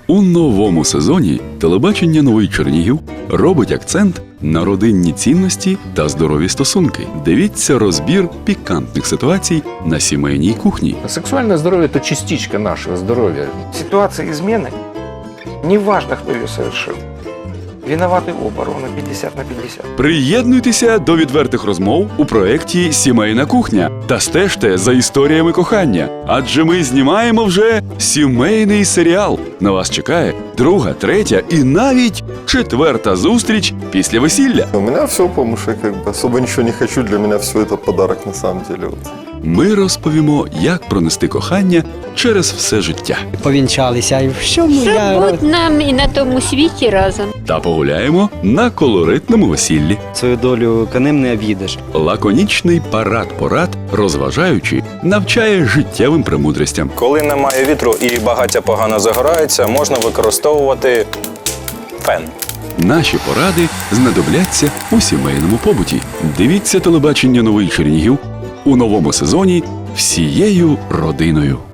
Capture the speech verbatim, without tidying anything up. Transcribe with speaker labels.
Speaker 1: У новому сезоні телебачення «Новий Чернігів» робить акцент на родинні цінності та здорові стосунки. Дивіться розбір пікантних ситуацій на сімейній кухні.
Speaker 2: Сексуальное здоровье – это частичка нашего здоровья.
Speaker 3: Ситуация измены, неважно, кто ее совершил, виноваты оба, ровно пятьдесят на пятьдесят.
Speaker 1: Приєднуйтеся до відвертих розмов у проєкті «Сімейна кухня» та стежте за історіями кохання, адже ми знімаємо вже сімейний серіал. На вас чекає друга, третя і навіть четверта зустріч після весілля.
Speaker 4: У меня все, потому что я как бы особо ничего не хочу, для меня все это подарок на самом деле. Вот.
Speaker 1: Ми розповімо, як пронести кохання через все життя.
Speaker 5: Повінчалися і всьому я...
Speaker 6: Щоб бути нам і на тому світі разом.
Speaker 1: Та погуляємо на колоритному весіллі.
Speaker 5: Свою долю конем не об'їдеш.
Speaker 1: Лаконічний парад порад, розважаючи, навчає життєвим премудростям.
Speaker 7: Коли немає вітру і багаття погано загорається, можна використовувати фен.
Speaker 1: Наші поради знадобляться у сімейному побуті. Дивіться телебачення «Новий Чернігів» у новому сезоні всією родиною.